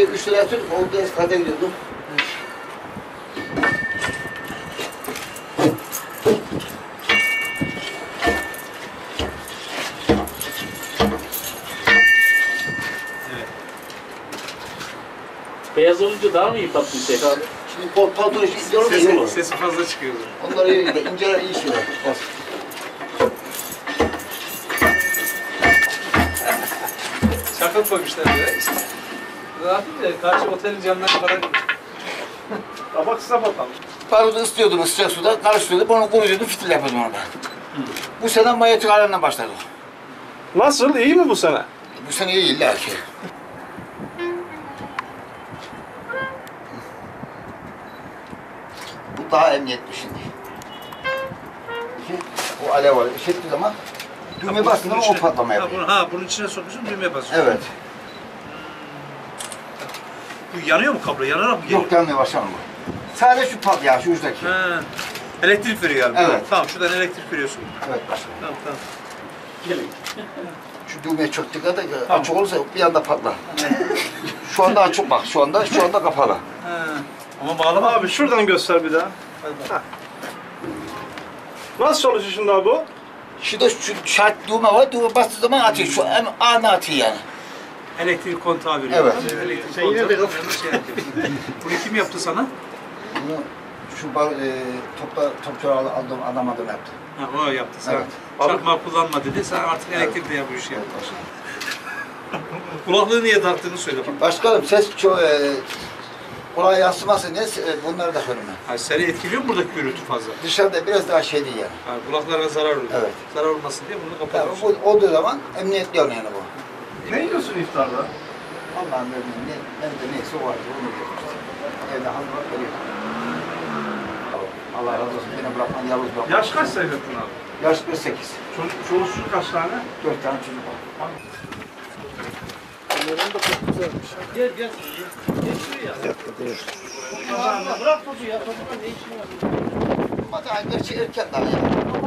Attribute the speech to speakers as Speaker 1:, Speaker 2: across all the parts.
Speaker 1: şey 3 lira atıyorduk, o biraz fazla gidiyordu.
Speaker 2: Beyaz olunca daha mı iyi patlıyor şey?
Speaker 1: Şimdi palto işi gidiyor.
Speaker 3: Sesi fazla çıkıyor.
Speaker 1: Onları iyi gidiyor, inceler iyi şeyler. Bas.
Speaker 3: Şaka koymuşlar böyle. Ne yapayım ya? Karşı otelin camlarına kadar kabak bakalım.
Speaker 1: Barutu ıslıyordum sıcak suda, karıştırıyordum, onu kuruyordum, fitil yapıyordum orada. Bu sene manyetik alanına başladık.
Speaker 3: Nasıl? İyi mi bu sene?
Speaker 1: Bu sene iyi illa ki. Bu daha emniyetli şimdi. O alev var, işittiği zaman düğme bastığında o patlama yapıyor.
Speaker 3: Bunun içine sokuyorsun, düğmeye basıyorsun.
Speaker 1: Evet.
Speaker 3: Bu yanıyor mu kablo? Yanarak mı geliyor?
Speaker 1: Yok yanmıyor başkanım bu. Sadece şu patlıyor, şu uçtaki.
Speaker 3: Ha. Elektrik veriyor galiba.
Speaker 1: Evet.
Speaker 3: Tamam, şuradan elektrik veriyorsun.
Speaker 1: Evet başkanım.
Speaker 3: Tamam.
Speaker 1: Gelin. Şu düğmeye çok dikkat et, açık olursa bir anda patlar. Şu anda açık bak, şu anda kapalı.
Speaker 3: Ha. Ama bağlama abi, şuradan göster bir daha. Nasıl çalışıyor şimdi abi bu?
Speaker 1: Şurada şu şart düğme var, düğme bastığı zaman atıyor, şu anı atıyor yani.
Speaker 3: Elektrik kontağı veriyor.
Speaker 1: Evet.
Speaker 3: Elektrik kontağı veriyor. Bunu kim yaptı sana?
Speaker 1: Bunu şu topçu aldığım adam adına yaptı.
Speaker 3: Ha, o yaptı. Sen
Speaker 1: Evet.
Speaker 3: çakma kullanma dedi. Sen artık elektrikle yap bu işi. Evet, kulaklığı niye taktığını söyle bak.
Speaker 1: Başkanım ses çok kulağa yansımasın diye bunları da söyleme.
Speaker 3: Ha, seni etkiliyor mu buradaki gürültü fazla?
Speaker 1: Dışarıda biraz daha şey değil yani.
Speaker 3: Ha, kulaklara zarar oluyor.
Speaker 1: Evet.
Speaker 3: Zarar olmasın diye bunu
Speaker 1: Yani
Speaker 3: kapatıyorsun.
Speaker 1: bu olduğu zaman emniyetli oluyor yani bu.
Speaker 3: Ne yiyorsun iftarda?
Speaker 1: Allah'ın verdiği nerede neyse o var. Onu yiyoruz işte. Evde hazırlık veriyor. Allah razı olsun. Beni bırakman, yalnız bırakman.
Speaker 3: Yaş kaç Seyfettin abi?
Speaker 1: Yaş 48.
Speaker 3: Çoluksuz kaç tane?
Speaker 1: 4 tane çocuk var.
Speaker 2: Bunların da çok güzelmiş. Gel. Geçiyor ya. Bırak topu ya. Topukla ne işin var?
Speaker 1: Ama daha gerçi erken daha ya.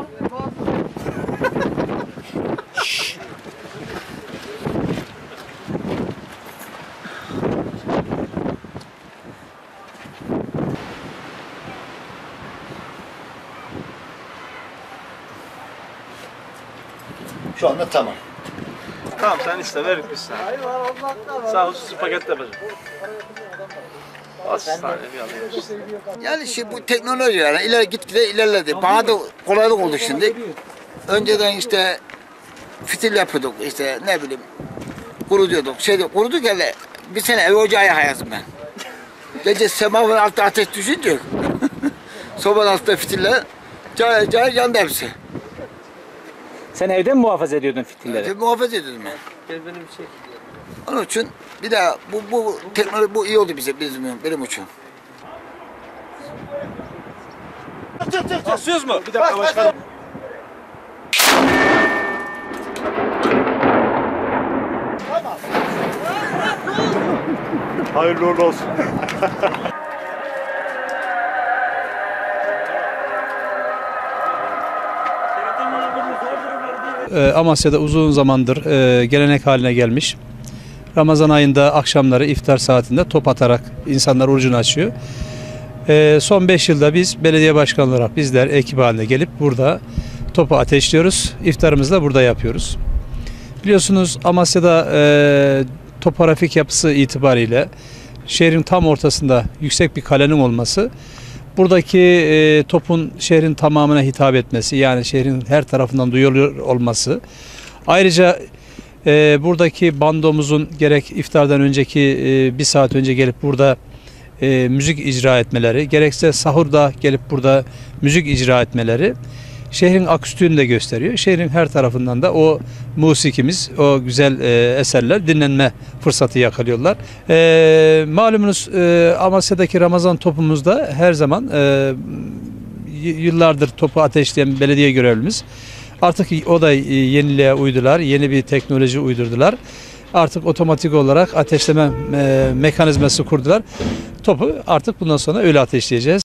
Speaker 1: Şu anda tamam.
Speaker 3: Tamam sen iste verik biz sana. Sağ hususi paket yapacağım. Hastane bir alayım.
Speaker 1: Yani işte bu teknoloji yani gitgide ilerledi. Bana da kolaylık oldu şimdi. Önceden işte fitil yapıyorduk işte ne bileyim kurutuyorduk. Kuruduk hele bir sene ev ocağı yakayazdım ben. Gece semaver altı ateş düşünce sobanın altında fitiller cayır yandı hepsi.
Speaker 2: Sen evde mi muhafaza ediyordun fitilleri?
Speaker 1: Muhafaza ediyordum ben.
Speaker 2: Gel benim şey.
Speaker 1: Onun için bir daha bu teknoloji bu iyi oldu benim için.
Speaker 3: Basıyoruz mu? Bir dakika başkanım.
Speaker 4: Hayırlı uğurlu olsun.
Speaker 5: Amasya'da uzun zamandır gelenek haline gelmiş. Ramazan ayında akşamları iftar saatinde top atarak insanlar orucunu açıyor. Son 5 yılda biz belediye başkanı olarak bizler ekip halinde gelip burada topu ateşliyoruz. İftarımızı da burada yapıyoruz. Biliyorsunuz Amasya'da topografik yapısı itibariyle şehrin tam ortasında yüksek bir kalenin olması, buradaki topun şehrin tamamına hitap etmesi, yani şehrin her tarafından duyuluyor olması, ayrıca buradaki bandomuzun gerek iftardan önceki bir saat önce gelip burada müzik icra etmeleri, gerekse sahurda gelip burada müzik icra etmeleri şehrin aküstüğünü de gösteriyor. Şehrin her tarafından da o musikimiz, o güzel eserler dinlenme fırsatı yakalıyorlar. Malumunuz Amasya'daki Ramazan topumuzda her zaman yıllardır topu ateşleyen belediye görevlimiz. Artık o da yeniliğe uydular, yeni bir teknoloji uydurdular. Artık otomatik olarak ateşleme mekanizması kurdular. Topu artık bundan sonra öyle ateşleyeceğiz.